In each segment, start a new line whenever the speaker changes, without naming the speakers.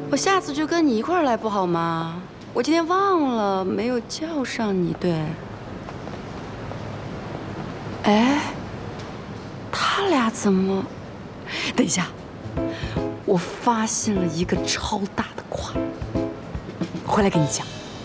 我下次就跟你一块儿来不好吗？我今天忘了没有叫上你，对。哎，他俩怎么？等一下，我发现了一个超大的瓜，回来跟你讲。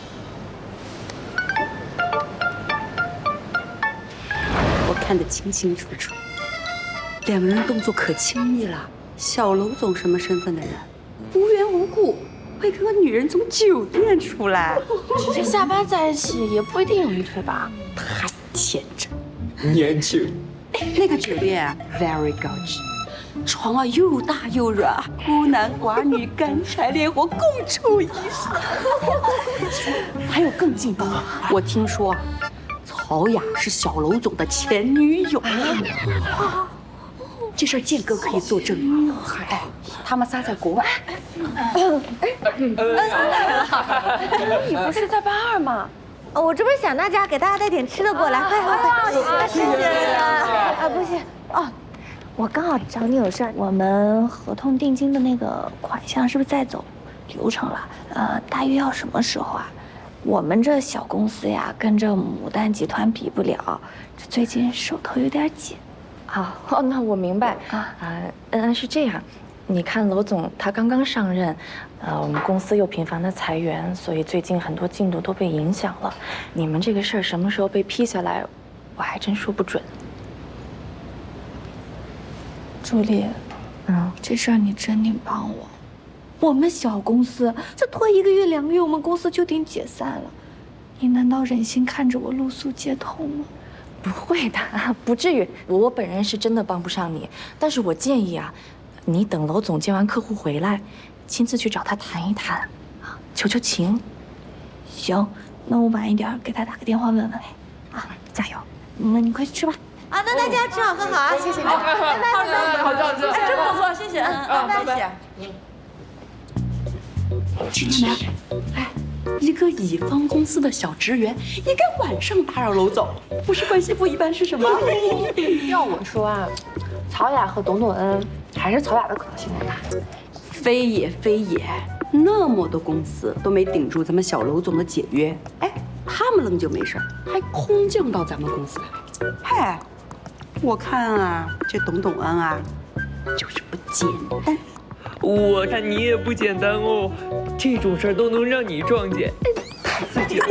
我看得清清楚楚，两个人动作可亲密了。小楼总什么身份的人，无缘无故会跟个女人从酒店出来，
直接下班在一起也不一定有一腿吧？
太天真。
年轻。
那个酒店啊 very 高级，床啊又大又软，孤男寡女干柴烈火共处一室。还有更劲爆，我听说啊，曹雅是小楼总的前女友。这事儿建哥可以作证。哎，他们仨在国外。
你不是在班2吗？
我这不是想大家给大家带点吃的过来，快，谢谢啊，不行哦，我刚好找你有事儿，我们合同定金的那个款项是不是在走流程了？大约要什么时候啊？我们这小公司呀，跟这牡丹集团比不了，这最近手头有点紧。
哦，那我明白是这样，你看楼总他刚刚上任，我们公司又频繁的裁员，所以最近很多进度都被影响了。你们这个事儿什么时候被批下来，我还真说不准。
朱莉，这事儿你真得帮我。我们小公司这拖1个月2个月，我们公司就得解散了。你难道忍心看着我露宿街头吗？
不会的，不至于。我本人是真的帮不上你，但是我建议啊，你等楼总接完客户回来，亲自去找他谈一谈，求求情。
行，那我晚一点给他打个电话问问。加油！那你快去吃吧。那大家吃好喝好啊！谢谢你。
好这样。
真不错，谢谢。拜拜。
听见没？哎，一个乙方公司的小职员，应该晚上打扰楼总，不是关系不一般是什么？
要我说啊，曹雅和董恩还是曹雅的可能性更大。
非也非也，那么多公司都没顶住咱们小楼总的解约，哎，他们愣就没事，还空降到咱们公司来。嗨，我看啊，这董恩啊，就是不简单。
我看你也不简单哦，这种事儿都能让你撞见，太刺激了。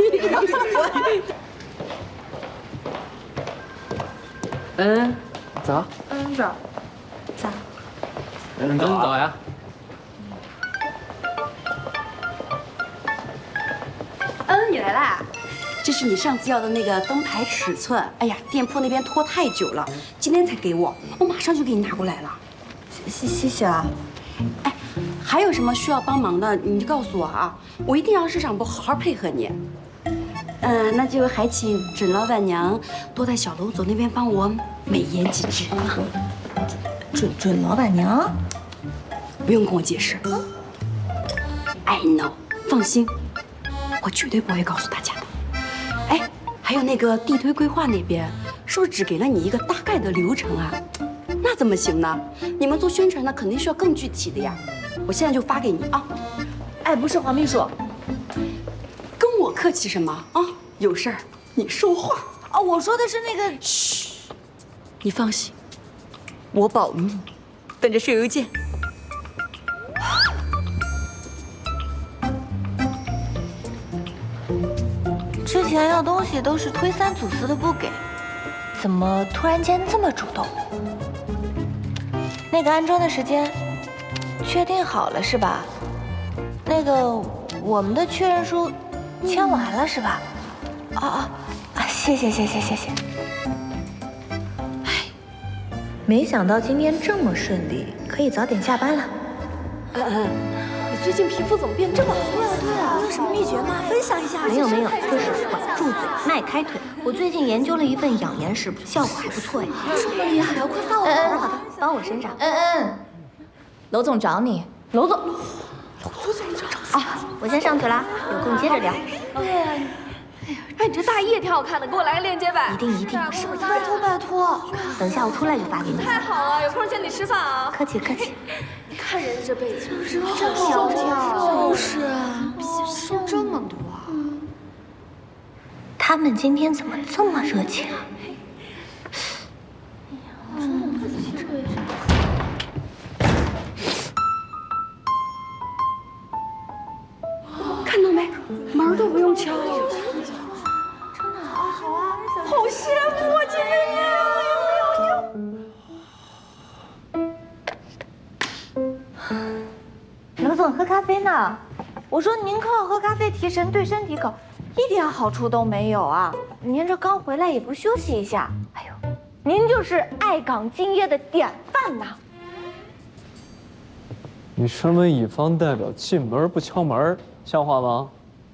走。
走。
走呀。
你来啦！这是你上次要的那个灯牌尺寸。哎呀，店铺那边拖太久了，今天才给我，我马上就给你拿过来了。谢谢啊。哎，还有什么需要帮忙的，你就告诉我啊，我一定让市场部好好配合你。那就还请准老板娘多在小楼总那边帮我美言几句啊。
准老板娘，
不用跟我解释。I know， 放心，我绝对不会告诉大家的。哎，还有那个地推规划那边，是不是只给了你一个大概的流程啊？那怎么行呢？你们做宣传的肯定需要更具体的呀。我现在就发给你啊。
哎，不是黄秘书，
跟我客气什么啊？有事儿你说话。
我说的是那个。
嘘，你放心，我保密，等着收邮件。
之前要东西都是推三阻四的不给，怎么突然间这么主动？那个安装的时间确定好了是吧？那个我们的确认书签完了是吧？谢谢。没想到今天这么顺利，可以早点下班了。
你最近皮肤怎么变这么好？
对啊，你有什么秘诀吗？分享一下。没有，就是管住嘴，迈开腿。我最近研究了一份养颜食谱，效果还不错哎。这么厉害啊！快发我！好的，帮我身上。
楼总找你。
楼总我先上去了，有空接着聊。
哎，你这大衣也挺好看的，给我来个链接呗。
一定，是不是？拜托。等下我出来就发给你。
太好了，有空请你吃饭啊。
客气。
看人家这辈子
好萧条，
就是啊，收这么多。
他们今天怎么这么热情啊？
看到没，门都不用敲。真的啊，好啊，好羡慕啊，姐妹们！
刘总喝咖啡呢？我说您靠喝咖啡提神，对身体可一点好处都没有啊！您这刚回来也不休息一下，哎呦，您就是爱岗敬业的典范呐！
你身为乙方代表，进门不敲门，像话吗？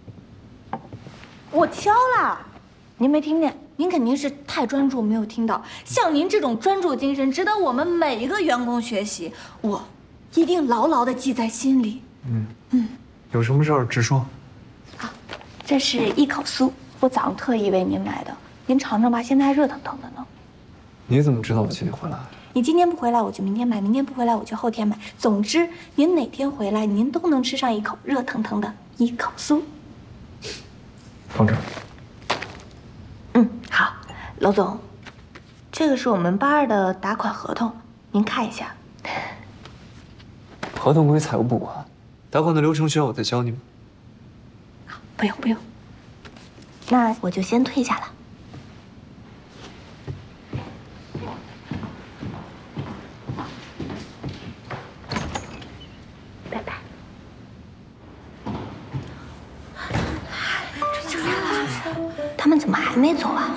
我敲了，您没听见？您肯定是太专注没有听到。像您这种专注精神，值得我们每一个员工学习。我一定牢牢地记在心里。
有什么事儿直说。
这是一口酥，我早上特意为您买的，您尝尝吧，现在还热腾腾的呢。
你怎么知道我今天回来？
你今天不回来，我就明天买；明天不回来，我就后天买。总之，您哪天回来，您都能吃上一口热腾腾的一口酥。
放这儿。
好，娄总，这个是我们8·2的打款合同，您看一下。
合同归财务部管，打款的流程需要我再教你吗？
不用不用，那我就先退下了。拜拜。他们怎么还没走啊？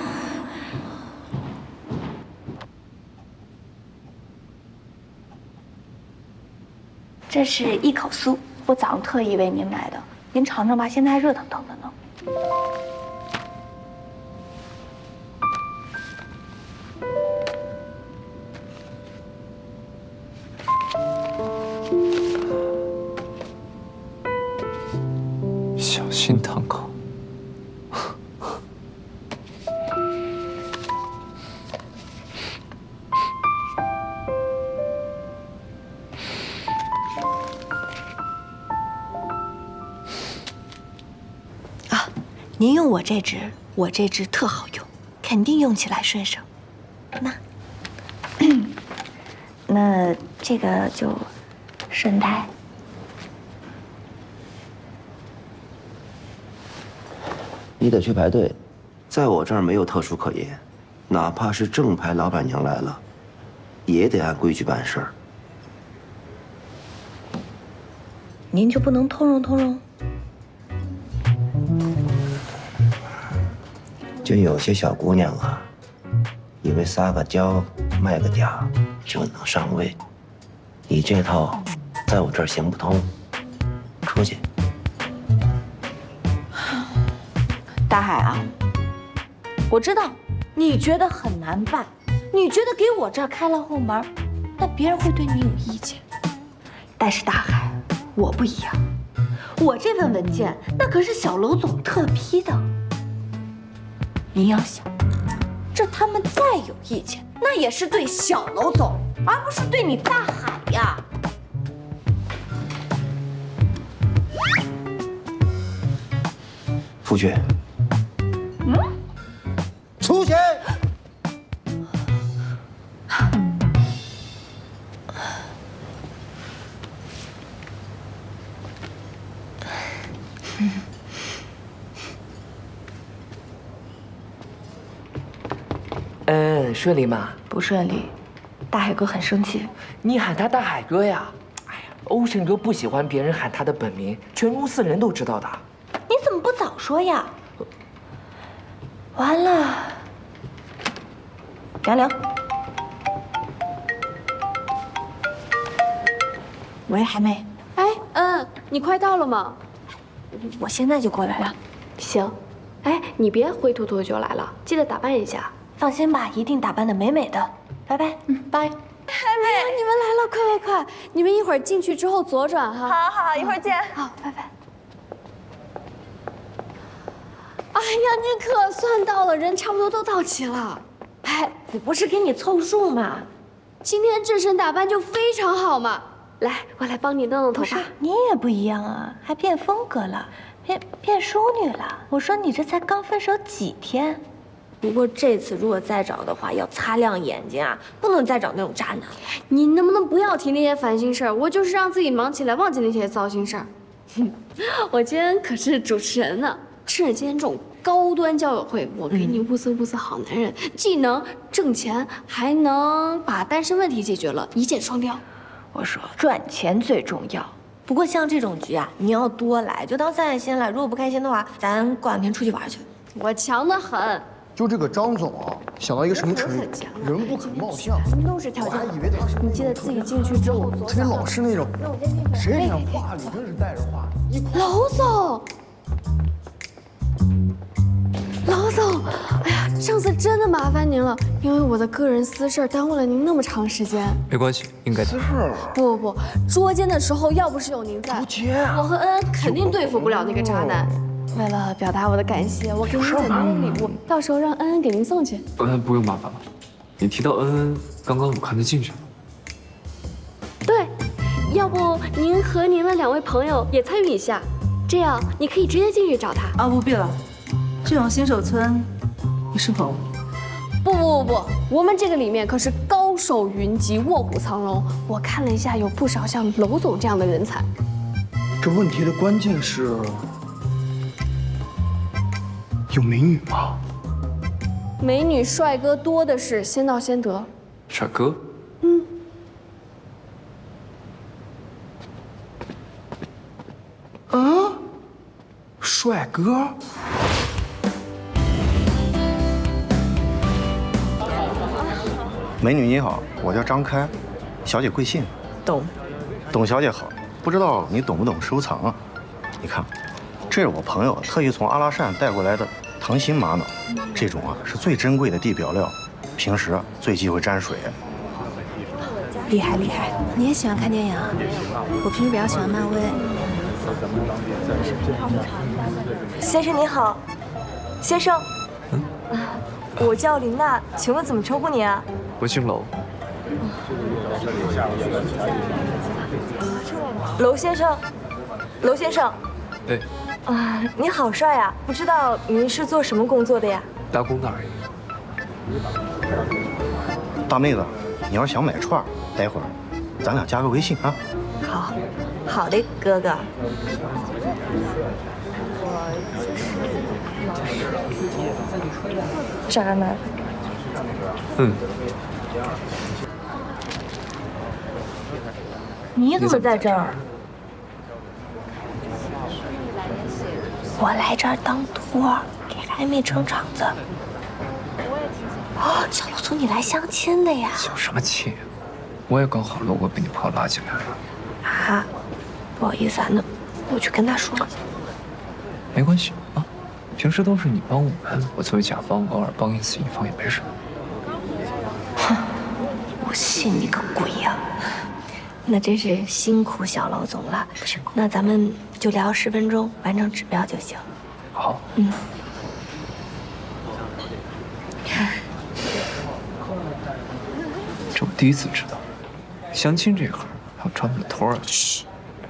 这是一口酥，我早上特意为您买的，您尝尝吧，现在还热腾腾的呢。
小心烫口。
您用我这支特好用，肯定用起来顺手。那这个就顺带。
你得去排队，在我这儿没有特殊可言，哪怕是正牌老板娘来了，也得按规矩办事儿。
您就不能通融通融？
就有些小姑娘啊，以为撒个娇卖个嗲就能上位，你这套在我这儿行不通，出去。
大海啊，我知道你觉得很难办，你觉得给我这儿开了后门，那别人会对你有意见。但是大海，我不一样，我这份文件那可是小娄总特批的。您要想，这他们再有意见，那也是对小娄总，而不是对你大海呀。
出去。出去。
顺利吗？
不顺利，大海哥很生气。
你喊他大海哥呀？哎呀，欧胜哥不喜欢别人喊他的本名，全公司人都知道的。
你怎么不早说呀？完了，杨玲。喂，海妹。
哎，你快到了吗？
我现在就过来了。
行。哎，你别灰秃秃就来了，记得打扮一下。
放心吧，一定打扮得美美的。拜拜。
拜。海妹，你们来了，快快快！你们一会儿进去之后左转哈。
好，一会儿见。
好，拜拜。哎呀，你可算到了，人差不多都到齐了。
哎，我不是给你凑数吗？
今天这身打扮就非常好嘛。 来，我来帮你弄弄头发。
你也不一样啊，还变风格了，变淑女了。我说你这才刚分手几天。不过这次如果再找的话，要擦亮眼睛啊，不能再找那种渣男了。
你能不能不要提那些烦心事儿？我就是让自己忙起来，忘记那些糟心事儿。我今天可是主持人呢，趁着今天这种高端交友会，我给你物色好男人，既能挣钱，还能把单身问题解决了，一箭双雕。
我说赚钱最重要。不过像这种局啊，你要多来，就当散散心了。如果不开心的话，咱过两天出去玩去。
我强得很。
就这个张总啊，想到一个什么成语？人不可貌相。
都是条件。
我还以为他是
你记得自己进去之后，
特别老实那种。谁脸上话里真是带着话。
娄总，娄总，哎呀，上次真的麻烦您了，因为我的个人私事耽误了您那么长时间。
没关系，应该的。
不，捉奸的时候要不是有您在，我和恩恩肯定对付不了那个渣男。为了表达我的感谢，我给您简单的礼物，到时候让恩恩给您送去。
不用麻烦了。你提到恩恩，刚刚我看她进去了。
对，要不您和您的2位朋友也参与一下，这样你可以直接进去找他。
啊，不必了，这种新手村不适合我。
不，我们这个里面可是高手云集，卧虎藏龙。我看了一下，有不少像娄总这样的人才。
这问题的关键是。有美女吗？
美女帅哥多的是，先到先得。
帅哥？
帅哥？
美女你好，我叫张开，小姐贵姓？
懂。
董小姐好，不知道你懂不懂收藏啊？你看，这是我朋友特意从阿拉善带过来的。糖心玛瑙，这种啊是最珍贵的地表料，平时最忌讳沾水。
厉害！你也喜欢看电影啊？我平时比较喜欢漫威。先生你好，先生，我叫林娜，请问怎么称呼你啊？
我姓娄。
娄先生，娄先生。
对。
你好帅啊！不知道您是做什么工作的呀？
打工的而已。
大妹子，你要是想买串，待会儿咱俩加个微信啊。
好的，哥哥。渣男。你怎么在这儿？我来这儿当托儿，给暧昧撑场子。哦，小娄总，你来相亲的呀？
相什么亲？我也刚好路过，被你朋友拉进来了。
啊，不好意思啊，那我去跟他说。
没关系啊，平时都是你帮我们，我作为甲方偶尔帮一次乙方也没什么。
哼，我信你个鬼呀！那真是辛苦小娄总了。
不辛苦。
那咱们就聊10分钟，完成指标就行。
好。这我第一次知道，相亲这行还有专门的托儿。
嘘，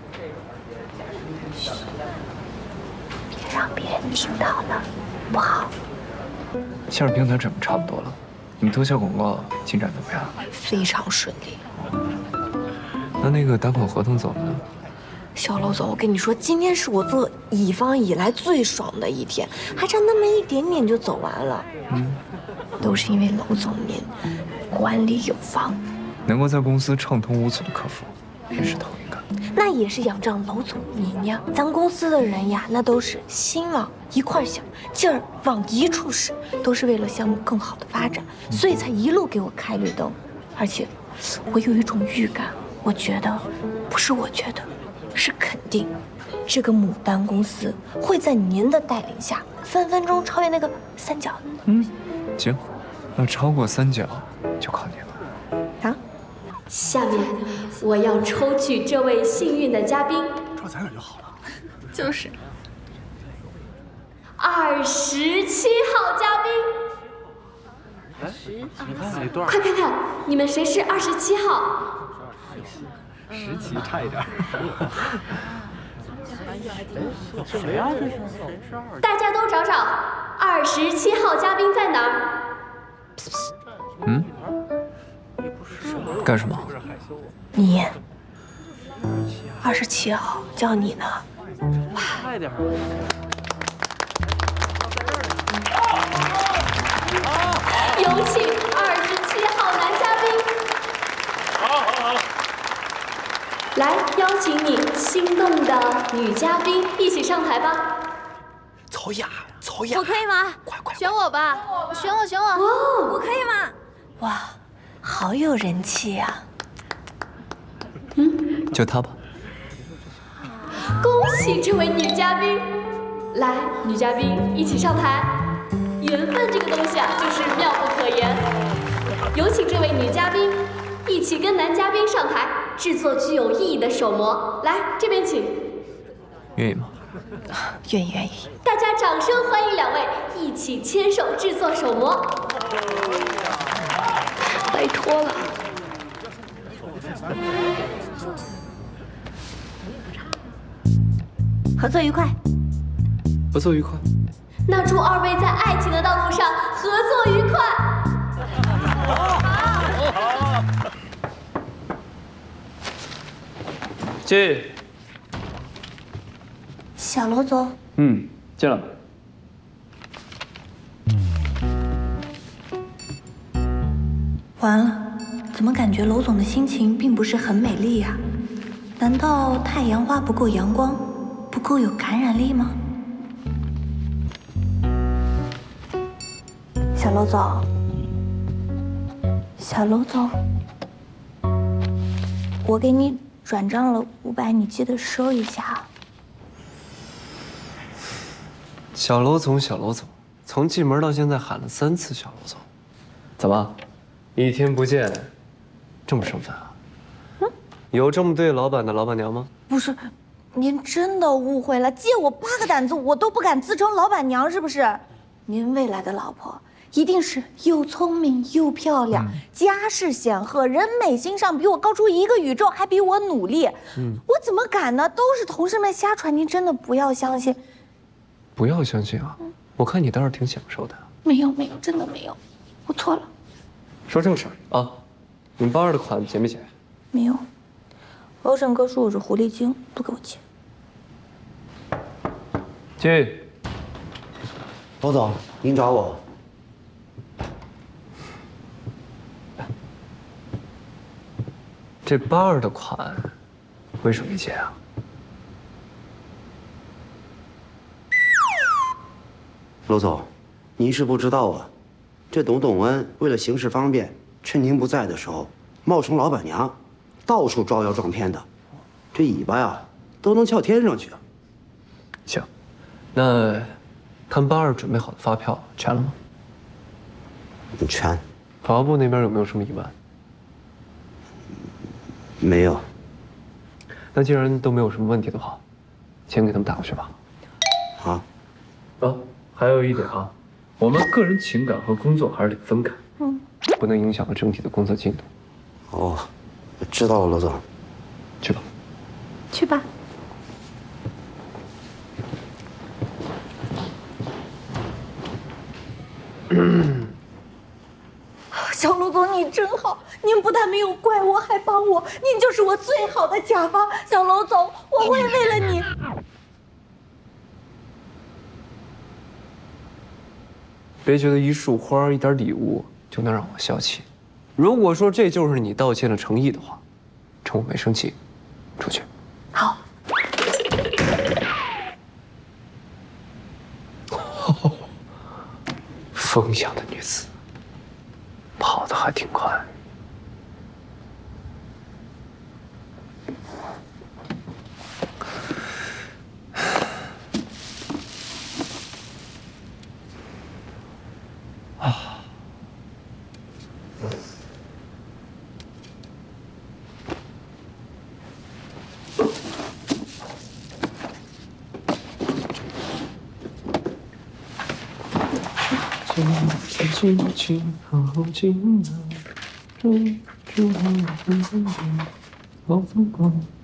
别让别人听到了，不好。
线上平台准备差不多了，你们投小广告进展怎么样？
非常顺利。
那个打款合同走了呢？
小娄总，我跟你说，今天是我做乙方以来最爽的一天，还差那么一点点就走完了。都是因为娄总您管理有方，
能够在公司畅通无阻的客服，也是头一个。
那也是仰仗娄总您呀。咱公司的人呀，那都是心往一块想，劲儿往一处使，都是为了项目更好的发展，所以才一路给我开绿灯。而且，我有一种预感。我觉得，不是我觉得，是肯定，这个牡丹公司会在您的带领下，分分钟超越那个三角。
行，那超过3角就靠你了。
啊！
下面我要抽取这位幸运的嘉宾。
这咱俩就好了。
就是27号嘉宾。快看看，你们谁是27号？
10期差一点。
谁呀？这是
大家都找找27号嘉宾在哪儿？
嗯？干什么？
你27号叫你呢。
快点！
有请27号男嘉宾。好。来，邀请你心动的女嘉宾一起上台吧。
曹雅，
我可以吗？
快！
选我吧，
选我！我可以吗？哇，好有人气呀！
就他吧。
恭喜这位女嘉宾！来，女嘉宾一起上台。缘分这个东西啊，就是妙不可言。有请这位女嘉宾一起跟男嘉宾上台，制作具有意义的手模。来，这边请。
愿意吗？
愿意。
大家掌声欢迎2位一起牵手制作手模。拜托了。
合作愉快。
合作愉快。
那祝2位在爱情的道路上合作愉快。
进。
小罗总，
进来。
完了，怎么感觉娄总的心情并不是很美丽呀？难道太阳花不够阳光，不够有感染力吗？小娄总，我给你转账了500，你记得收一下。
小娄总，从进门到现在喊了3次小娄总，怎么，1天不见，这么生分啊？有这么对老板的老板娘吗？
不是，您真的误会了。借我8个胆子，我都不敢自称老板娘，是不是？您未来的老婆一定是又聪明又漂亮，家世显赫，人美心尚，比我高出1个宇宙，还比我努力。我怎么敢呢？都是同事们瞎传，您真的不要相信。
不要相信啊！我看你倒是挺享受的。
没有，真的没有，我错了。
说正事儿啊，你们82的款结没结？
没有，欧胜哥说我是狐狸精，不给我结。
进。
娄总，您找我。
这82的款为什么没结啊？
娄总，您是不知道啊，这董恩为了行事方便，趁您不在的时候，冒充老板娘，到处招摇撞骗的，这尾巴呀都能翘天上去啊。
行，那看82准备好的发票全了吗？
全。
法务部那边有没有什么疑问？
没有。
那既然都没有什么问题的话，钱给他们打过去吧。
好。
还有一点啊，我们个人情感和工作还是得分开，不能影响了整体的工作进度。
哦，知道了，娄总。
去吧。
去吧。小娄总，你真好，您不但没有怪我，还帮我，您就是我最好的甲方。小娄总，我会为了你。
别觉得一束花、一点礼物就能让我消气。如果说这就是你道歉的诚意的话，趁我没生气，出去。
好。
风一样的女子，跑得还挺快。 老总管。